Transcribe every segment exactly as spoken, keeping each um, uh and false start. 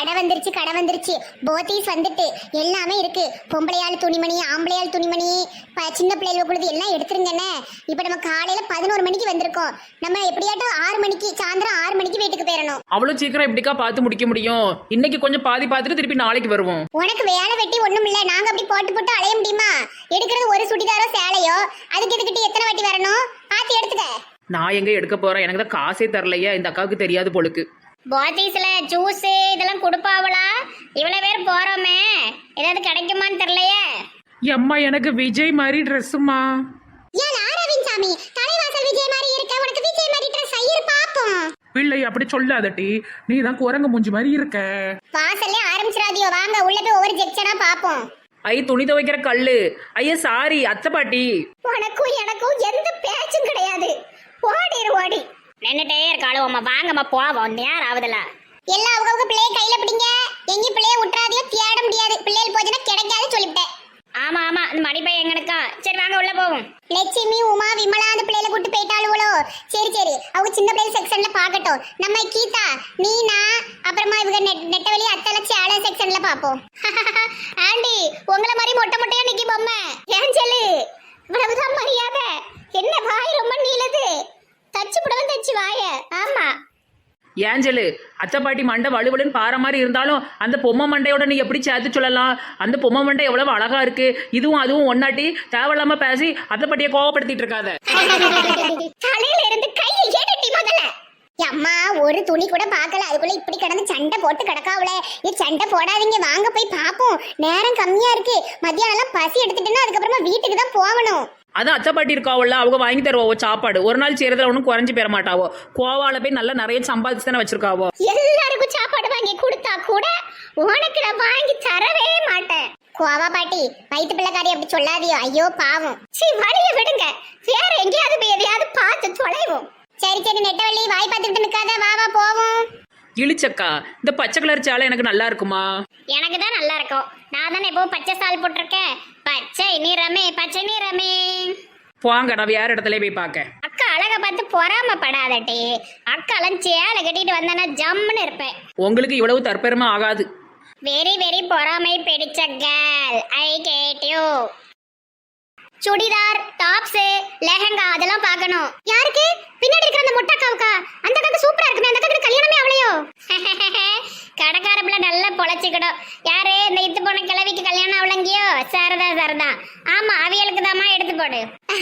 கடை வந்துருச்சு கடை வந்துருச்சு போத்தீஸ் வந்துட்டு எல்லாமே இருக்கு. பொம்பளையாள் துணிமணி, ஆம்பளையாள் துணிமணி, ப- சின்ன பிள்ளைகள் கொடுத்து எல்லாம் எடுத்துருங்கண்ணே. இப்போ நம்ம காலையில பதினோரு மணிக்கு வந்திருக்கோம். நம்ம எப்படியாட்டும் ஆறு மணிக்கு சாயந்தரம் ஆறு மணிக்கு வீட்டுக்கு போயிடணும். அவ்வளவு சீக்கிரம் எப்படிக்கா பார்த்து முடிக்க முடியும்? இன்னைக்கு கொஞ்சம் பாதி பார்த்துட்டு திருப்பி நாளைக்கு வருவோம். உனக்கு வேலை வெட்டி ஒண்ணும் இல்ல, நாங்க அப்படி போட்டு போட்டு அலைய முடியுமா? எடுக்கிறது ஒரு சுடிதாரோ சேலையோ, அதுக்கு இதுக்கிட்ட எத்தனை வாட்டி வரணும்? பார்த்து எடுத்துக்க. நான் எங்க எடுக்க போறேன்? எனக்கு தான் காசே தரலையா, இந்த அக்காவுக்கு தெரியாது போலுக்கு. போத்தீஸ்ல ஜூஸ் இதெல்லாம் கொடுப்பாவளா? இவ்வளவு பேர் போறோமே, ஏதாவது கிடைக்குமான்னு தெரியலையே. எம்மா எனக்கு விஜய் மாதிரி ட்ரெஸ்ஸுமா. ஏன் அரவிந்த் சாமி தலைவாசல் விஜய் மாதிரி இருக்க, உனக்கு விஜய் மாதிரி ட்ரெஸ் ஐயர் பாப்போம். பிள்ளை அப்படி சொல்லாதட்டி, நீ தான் குரங்கு மூஞ்சி மாதிரி இருக்க. வாசல்ல ஆரம்பிச்சிராதியோ, வாங்க உள்ள போய் ஒவ்வொரு செக்ஷனா பாப்போம். ஐ துணி துவைக்கிற கல்லு. ஐயா சாரி அத்தை பாட்டி. உனக்கும் எனக்கும் எந்த பேச்சும் கிடையாது. ஓடிரு ஓடி நின்னுட்டே இருக்காளோ அம்மா. வாங்கம்மா போவோம், நேரம் ஆகுதுல. எல்லாம் அவங்க பிள்ளைய கையில பிடிங்க, எங்கேயும் பிள்ளைய விட்டுறாதையோ, தேட முடியாது. பிள்ளைகள் போச்சுன்னா கிடைக்காது சொல்லிவிட்டேன். ஆமா ஆமா, அந்த மடிப்பை எங்கனுக்கா. சரி வாங்க உள்ள போவோம். லட்சுமி, உமா, விமலா அந்த பிள்ளைல கூட்டு போயிட்டாளுவளோ? சரி சரி, அவங்க சின்ன பிள்ளைகள் செக்ஷன்ல பாக்கட்டும். நம்ம கீதா, நீனா, அப்புறமா இவங்க நெட் நெட்டவெளி அத்தலட்சி ஆள செக்ஷன்ல பாப்போம். ஆண்டி உங்களை மாதிரி மொட்டை மொட்டையா நிக்கி பொம்மை. ஏன் சொல்லு, இவ்வளவுதான் மரியாதை? என்ன வாய் ரொம்ப நீளது? தச்சு புடவை தச்சு வாய. ஆமா ஏஞ்சலு, அத்தை பாட்டி மண்டை வலுவலுன்னு பாற மாதிரி இருந்தாலும் அந்த பொம்மை மண்டையோட நீ எப்படி சேர்த்து சொல்லலாம்? அந்த பொம்மை மண்டை எவ்வளவு அழகா இருக்கு. இதுவும் அதுவும் ஒன்னாட்டி தேவையில்லாம பேசி அத்தை பாட்டியை கோவப்படுத்திட்டு இருக்காத. தலையில இருந்து கையை ஏடட்டி முதல்ல. அம்மா ஒரு துணி கூட பார்க்கல, அதுக்குள்ள இப்படி கிடந்து சண்டை போட்டு கிடக்காவல. இது சண்டை போடாதீங்க, வாங்க போய் பாப்போம். நேரம் கம்மியா இருக்கு. மத்தியானம் எல்லாம் பசி எடுத்துட்டுன்னா அதுக்கப்புறமா வீட்டுக்கு தான் போகணும். அதான் அத்தை பாட்டி இருக்காவல்ல, அவங்க வாங்கி தருவாவோ சாப்பாடு. ஒரு நாள் செய்யறதுல ஒன்றும் குறைஞ்சு பெற மாட்டாவோ. கோவால போய் நல்லா நிறைய சம்பாதிச்சு தானே வச்சிருக்காவோ. எல்லாருக்கும் சாப்பாடு வாங்கி கொடுத்தா கூட உனக்கு நான் வாங்கி தரவே மாட்டேன். கோவா பாட்டி, வயிற்று பிள்ளைக்காரி அப்படி சொல்லாதியோ, ஐயோ பாவம். சி வழிய விடுங்க, வேற எங்கேயாவது போய் எதையாவது பார்த்து தொலைவோம். சரி சரி நெட்டவள்ளி, வாய் பார்த்துக்கிட்டு நிக்காத, வா வா போவோம். இழிச்சக்கா, இந்த பச்சை கலர் சேலை எனக்கு நல்லா இருக்குமா? எனக்கு தான் நல்லா இருக்கும். நான் தானே இப்போ பச்சை சால் போட்டிருக்கேன். பச்சை நிறமே பச்சை நிறமே. போங்க, நான் வேற இடத்துல போய் பார்க்க. அக்கா அழகை பார்த்து பொறாமப்படாதட்டி. அக்காலாம் சேலை கட்டிட்டு வந்தேன்னா ஜம்முன்னு இருப்பேன். உங்களுக்கு இவ்வளவு தற்பெருமை ஆகாது. வெரி வெரி பொறாமை பிடிச்ச girl. I hate you. Churidar, tops, lehenga அதெல்லாம் பார்க்கணும். யாருக்கு? பின்னாடி இருக்கிற அந்த மொட்டாக்காவுக்கா? அந்த அக்காக்கு சூப்பரா இருக்குமே, அந்த அக்காக்கு கல்யாணமே அவளையோ? கடைக்கார பிள்ளை நல்லா பொழைச்சிக்கிடும். யாரு இந்த இத்து போன கிழவிக்கு கல்யாணம் அவளங்கியோ? சரதா சரதா. ஆமா அவியலுக்கு தாமா எடுத்து போடு.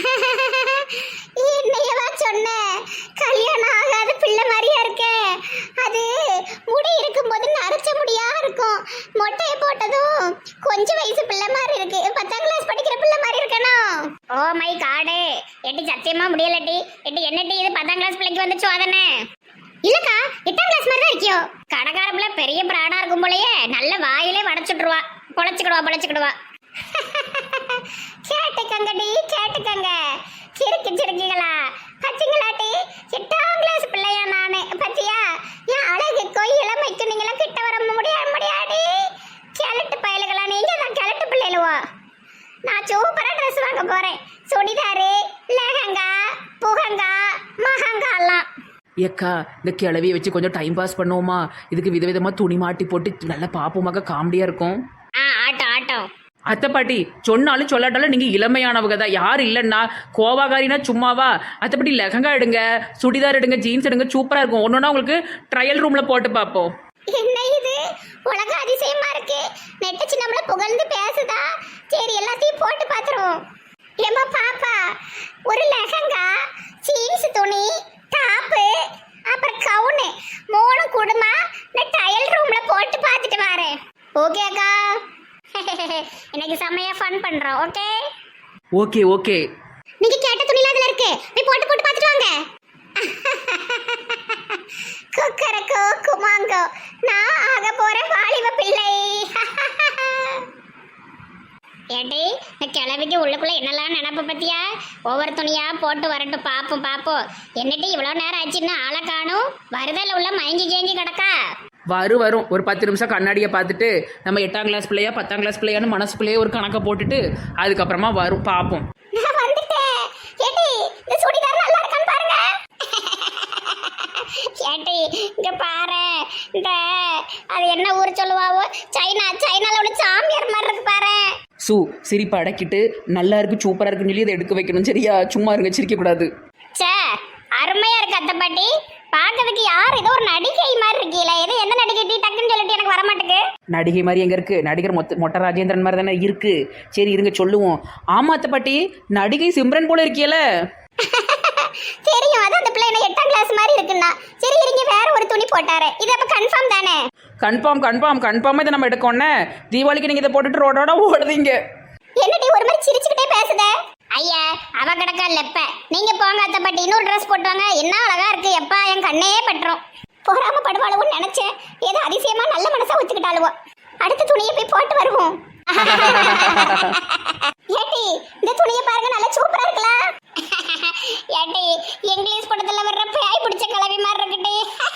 என்னையவா சொன்ன? கல்யாணம் ஆகாத பிள்ளை மாதிரியா இருக்க. அது முடி இருக்கும்போது நரைச்ச முடியா இருக்கும். மொட்டையை போட்டதும் கொஞ்சம் வயசு பிள்ளை மாதிரி இருக்கு. பத்தாம் கிளாஸ் படிக்கிற பிள்ளை மாதிரி இருக்கணும். Oh my god. எட்டி சத்தியமா முடியலட்டி. எட்டி என்னட்டி இது பத்தாம் கிளாஸ் பிள்ளைக்கு வந்து சோதனை? இல்லக்கா, எட்டாம் கிளாஸ் மாதிரி தான் இருக்கியோ. கடைக்கார பிள்ளை பெரிய பிராடா இருக்கும் போலயே. நல்ல வாயிலே வடைச்சுட்டுருவா. பொழைச்சுக்கிடுவா பொழைச்சுக்கிடுவா. கேட்டுக்கங்கடி கேட்டுக்கங்க. சிரிக்கு சிரிக்குங்களா பச்சிங்களாட்டி? எட்டாம் கிளாஸ் பிள்ளையா நானு? பத்தியா என் அழகுக்கோ இளமைக்கு நீங்களும் கிட்ட வர முடியாது முடியாடி. கிழட்டு பயலுகளா நீங்க தான் கிழட்டு பிள்ளைகளுவோ. நான் சூப்பரா ட்ரெஸ் வாங்க போறேன். சுடிதாரு, லெஹங்கா, புகங்கா, மகங்கா எல்லாம். ஏக்கா, இந்த கிளவியை வச்சு கொஞ்சம் டைம் பாஸ் பண்ணுவோமா? இதுக்கு விதவிதமா துணி மாட்டி போட்டு நல்லா பாப்போமாக்க, காமெடியா இருக்கும். ஆ ஆட்டம் ஆட்டம். அத்தை பாட்டி சொன்னாலும் சொல்லாட்டாலும் நீங்க இளமையானவங்க தான். யார் இல்லைன்னா கோவாகாரினா சும்மாவா? அத்தைப்படி லெஹங்கா எடுங்க, சுடிதார் எடுங்க, ஜீன்ஸ் எடுங்க, சூப்பரா இருக்கும். ஒன்னொன்னா உங்களுக்கு ட்ரையல் ரூம்ல போட்டு பார்ப்போம். என்ன இது உலக அதிசயமா இருக்கு. நெட்டச்சு நம்மள புகழ்ந்து பேசுதா? சரி எல்லாத்தையும் போட்டு பாத்துருவோம். ஏமா பாப்பா, ஒரு லெஹங்கா, ஜீன்ஸ் துணி, டாப்பு, அப்புறம் கவுனு மூணு குடுமா நான் ட்ரையல் ரூம்ல போட்டு பார்த்துட்டு வரேன். ஓகே அக்கா? இன்னைக்கு செம்மையா ஃபன் பண்றோம். Okay okay okay. நீங்க கேட்ட துணில அதுல இருக்கு, போய் போட்டு போட்டு பார்த்துட்டு வாங்க. குக்கரக்கோ குமாங்கோ, நான் ஆக போற வாலிப பிள்ளை. ஏடி இந்த கிழவிக்கு உள்ளுக்குள்ள என்னெல்லாம் நினப்பு பத்தியா? ஒவ்வொரு துணியா போட்டு வரட்டும், பாப்போம் பாப்போம். என்னடி இவ்வளோ நேரம் ஆச்சுன்னா ஆளை காணும். வருதல உள்ள மயங்கி கேங்கி கிடக்கா. வரும் வரும் ஒரு பத்து நிமிஷம் கண்ணாடியை பார்த்துட்டு நம்ம எட்டாம் கிளாஸ் பிள்ளையா பத்தாம் கிளாஸ் பிள்ளையான்னு மனசுக்குள்ளேயே ஒரு கணக்கை போட்டுட்டு அதுக்கப்புறமா வரும், பார்ப்போம். நான் வந்துட்டேன். ஏடி இந்த சுடிதார் நல்லா இருக்கான்னு பாருங்க. ஏட்டி இங்க பாரு, இந்த அது என்ன ஊர் சொல்லுவாவோ, சைனா சைனால உள்ள சாமியார் மாதிரி இருக்கு பாரு. சு சிரிப்பு அடக்கிட்டு நல்லா இருக்கு சூப்பரா இருக்குன்னு சொல்லி அதை எடுக்க வைக்கணும் சரியா? சும்மா இருங்க, சிரிக்க கூடாது. சே அருமையா இருக்கு அத்தை பாட்டி. பாக்கிறதுக்கு யார் ஏதோ ஒரு நடிகை மாதிரி இருக்கீல. எது எந்த நடிகை டீ டக்குன்னு சொல்லிட்டு எனக்கு வர மாட்டேங்குது. நடிகை மாதிரி எங்க இருக்கு? நடிகர் மொத்த மொட்டை ராஜேந்திரன் மாதிரி தானே இருக்கு. சரி இருங்க சொல்லுவோம். ஆமா அத்தை பாட்டி, நடிகை சிம்ரன் போல இருக்கியல. தெரியும், அது அந்த பிள்ளை என்ன எட்டாம் கிளாஸ் மாதிரி இருக்குன்னா. சரி இருங்க, வேற ஒரு துணி போட்டாரு. இது அப்ப கன்ஃபார்ம் தானே? கன்ஃபார்ம் கன்ஃபார்ம் கன்ஃபார்மாக இதை நம்ம எடுக்கோன்னே. தீபாவளிக்கு நீங்கள் இதை போட்டுட்டு ரோடோட ஓடுதீங்க. என்னடி ஒரு மாதிரி சிரிச்சுக்கிட்டே பேசுத? ஐயா அவ கிடக்கா லெப்ப. நீங்க போங்க அத்தை பாட்டி, இன்னொரு ட்ரெஸ் போட்டுவாங்க. என்ன அழகா இருக்கு எப்பா, என் கண்ணே பட்டுரும். பொறாம படுவாளுவோன்னு நினைச்சேன். ஏதோ அதிசயமா நல்ல மனசா வச்சுக்கிட்டாளுவோ. அடுத்த துணியை போய் போட்டு வருவோம். ஏட்டி இந்த துணியை பாருங்க, நல்லா சூப்பரா இருக்கலாம். ஏட்டி இங்கிலீஷ் படத்துல வர்ற பேய் பிடிச்ச கிளவி மாதிரி இருக்குடி.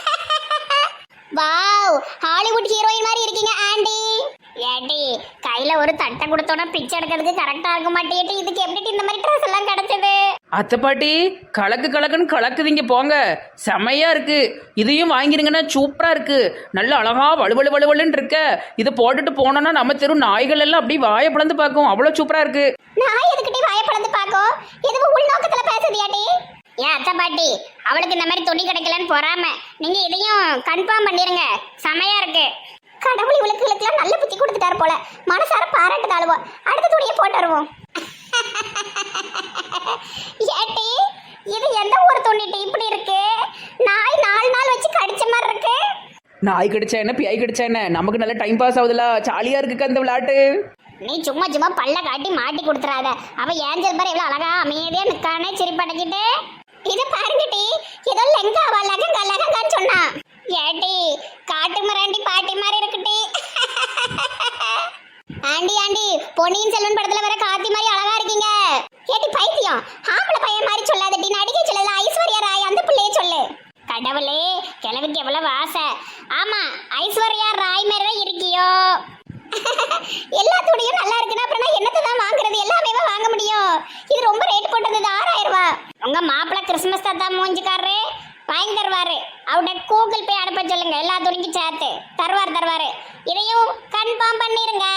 வாவ், ஹாலிவுட் ஹீரோயின் மாதிரி இருக்கீங்க ஆண்டி. ஏட்டி கையில ஒரு தட்டை கொடுத்தோன்னா பிச்சை எடுக்கிறதுக்கு கரெக்டா இருக்க மாட்டேட்டி. இதுக்கு எப்படி இந்த மாதிரி ட்ரெஸ் எல்லாம் கிடைச்சது? அத்தை பாட்டி கலக்கு கலக்குன்னு கலக்குதீங்க போங்க, செமையா இருக்கு. இதையும் வாங்கிருங்கன்னா சூப்பரா இருக்கு. நல்ல அழகா வலுவலு வலுவலுன்னு இருக்க. இதை போட்டுட்டு போனோம்னா நம்ம தெரு நாய்கள் எல்லாம் அப்படி வாயை பிளந்து பார்க்கும். அவ்வளவு சூப்பரா இருக்கு. நாய் எதுக்கிட்டே வாயை பிளந்து பார்க்கும்? எதுவும் உள்நோக்கத்துல பேசுதியாட்டி? ஏன் அத்தை பாட்டி, அவளுக்கு இந்த மாதிரி துணி கிடைக்கலன்னு பொறாம. நீங்க இதையும் கன்ஃபார்ம் பண்ணிருங்க, செமையா இருக்கு. கடவுள் இவளுக்கு இவளுக்குலாம் நல்ல புத்தி கொடுத்துட்டாரு போல. மனசார பாராட்டு தாழுவோம். அடுத்த துணியை போட்டு வருவோம். ஏட்டி இது எந்த ஊர் துணிட்டு இப்படி இருக்கு? நாய் நாலு நாள் வச்சு கடிச்ச மாதிரி இருக்கு. நாய் கடிச்சா என்ன பியாய் கடிச்சா என்ன, நமக்கு நல்ல டைம் பாஸ் ஆகுதுல, ஜாலியா இருக்கு அந்த விளையாட்டு. நீ சும்மா சும்மா பல்ல காட்டி மாட்டி கொடுத்துறாத. அவ ஏஞ்சல் பாரு எவ்வளவு அழகா அமைதியா நிக்கானே சிரிப்படைக்கிட்டு. இது பாருங்கட்டி, ஏதோ லெங்காவா லகங்கா லகங்கான்னு சொன்னா. ஏட்டி காட்டு மராண்டி பாட்டி மாதிரி இருக்குட்டி. ஆண்டி ஆண்டி பொன்னியின் செல்வன் படத்துல வர காத்தி மாதிரி அழகா இருக்கீங்க. ஏட்டி பைத்தியம், ஆம்பளை பையன் மாதிரி சொல்லாதட்டி, நடிகை சொல்லல, ஐஸ்வர்யா ராய் அந்த பிள்ளைய சொல்லு. கடவுளே கிழவிக்கு எவ்வளவு ஆசை. ஆமா ஐஸ்வர்யா ராய் மாதிரி தான் இருக்கியோ. எல்லா துணியும் நல்லா இருக்குன்னா அப்புறம் என்னத்தை தான் வாங்குறது? எல்லாமே வாங்க முடியும். இது ரொம்ப ரேட் போட்டது ஆறாயிரம் ரூபாய். உங்க மாப்பிள்ள கிறிஸ்துமஸ் தாத்தா மூஞ்சிக்காரரு வாங்கி தருவாரு. அவட கூகுள் பே அனுப்ப சொல்லுங்க, எல்லா துணிக்கும் சேர்த்து தருவார் தருவாரு. இதையும் கன்ஃபார்ம் பண்ணிருங்க.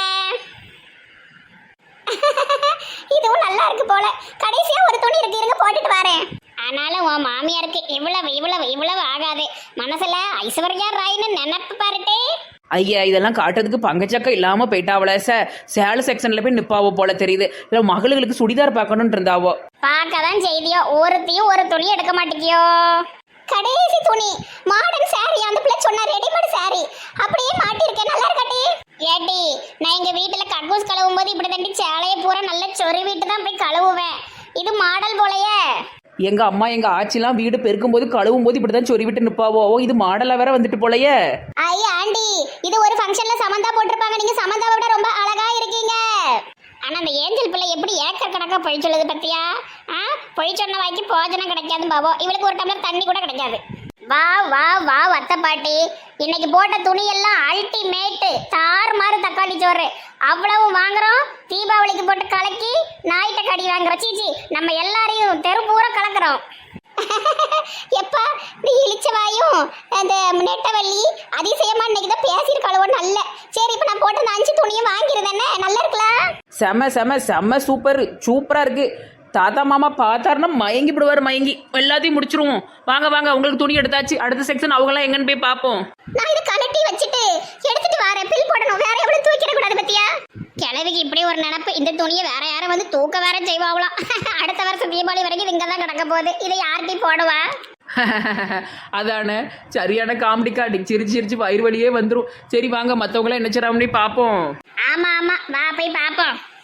இதுவும் நல்லா இருக்கு போல. கடைசியா ஒரு துணி இருக்கு, இருங்க போட்டுட்டு வரேன். ஆனாலும் உன் மாமியாருக்கு இவ்வளவு இவ்வளவு இவ்வளவு ஆகாது. மனசுல ஐஸ்வர்யா ராய்னு நினைப்பு பாருட்டே. ஐயா இதெல்லாம் காட்டுறதுக்கு பங்கச்சக்கம் இல்லாம போயிட்டாவல. சார் சேல செக்ஷன்ல போய் நிப்பாவோ போல தெரியுது. இல்ல மகளுக்கு சுடிதார் பார்க்கணும்னு இருந்தாவோ. பார்க்கதான் செய்தியோ, ஒருத்தையும் ஒரு துணி எடுக்க மாட்டேங்கியோ. கடைசி துணி மாடர்ன் சாரி, அந்த பிள்ளை சொன்ன ரெடிமேட் சாரி அப்படியே மாட்டிருக்கேன். நல்லா இருக்காட்டி? ஏட்டி நான் எங்க வீட்டுல கக்கூஸ் கழுவும் போது இப்படி தண்டி சேலையை பூரா நல்ல சொறி வீட்டு தான் போய் கழுவுவேன். இது மாடல் போலயே. எங்க அம்மா எங்க ஆச்சிலாம் வீடு பெருக்கும் போது கழுவும் போது இப்படிதான் சொறி விட்டு நிப்பாவோ. இது மாடலா வேற வந்துட்டு போலயே. ஐயா ஆண்டி, இது ஒரு ஃபங்க்ஷன்ல சமந்தா போட்டிருப்பாங்க. நீங்க சமந்தாவை விட ரொம்ப அழகா இருக்கீங்க. ஆனா அந்த ஏஞ்சல் பிள்ளை எப்படி ஏக்கர் கணக்கா பொய் சொல்லுது பத்தியா? ஆ பொய் சொன்ன வாய்க்கு போஜனம் கிடைக்காது பாவோ. இவளுக்கு ஒரு டம்ளர் தண்ணி கூட கிடைக்காது. வா வா வா அத்தை பாட்டி, இன்னைக்கு போட்ட துணி எல்லாம் அல்டிமேட்டு. தாறு மாறு தக்காளி சோறு அவ்வளவு வாங்குறோம். தீபாவளிக்கு போட்டு கலக்கி நாயிட்ட கடி வாங்குறோம். சீச்சி நம்ம எல்லாரையும் தெரு பூரா கலக்குறோம். எப்பா நீ இழிச்சவாயும் அந்த நெட்டவள்ளி அதிசயமா இன்னைக்கு தான் பேசியிருக்காளோ நல்ல. சரி இப்ப நான் போட்டு அஞ்சு துணியும் வாங்கிருந்தேனே, நல்லா இருக்கலாம். செம செம செம சூப்பர் சூப்பரா இருக்கு. தாத்தா மாமா பார்த்தாருன்னா மயங்கி விடுவார். மயங்கி எல்லாத்தையும் முடிச்சிருவோம். வாங்க வாங்க, உங்களுக்கு துணி எடுத்தாச்சு. அடுத்த செக்ஷன் அவங்களாம் எங்கன்னு போய் பார்ப்போம். நான் இதை கலட்டி வச்சுட்டு எடுத்துட்டு வரேன். பில் போடணும், வேற எவ்வளவு தூக்கிட கூடாது பத்தியா? கிழவிக்கு இப்படி ஒரு நினப்பு. இந்த துணியை வேற யாரும் வந்து தூக்க வேற செய்வாங்களாம். அடுத்த வருஷம் தீபாவளி வரைக்கும் இங்க தான் கிடக்க போகுது. இதை யார்கிட்டையும் போடுவா? அதானே சரியான காமெடி காட்டி சிரிச்சு சிரிச்சு வயிறு வழியே வந்துடும். சரி வாங்க மற்றவங்களாம் என்ன செய்றாங்கன்னு பார்ப்போம். ஆமா ஆமா வா போய் பார்ப்போம்.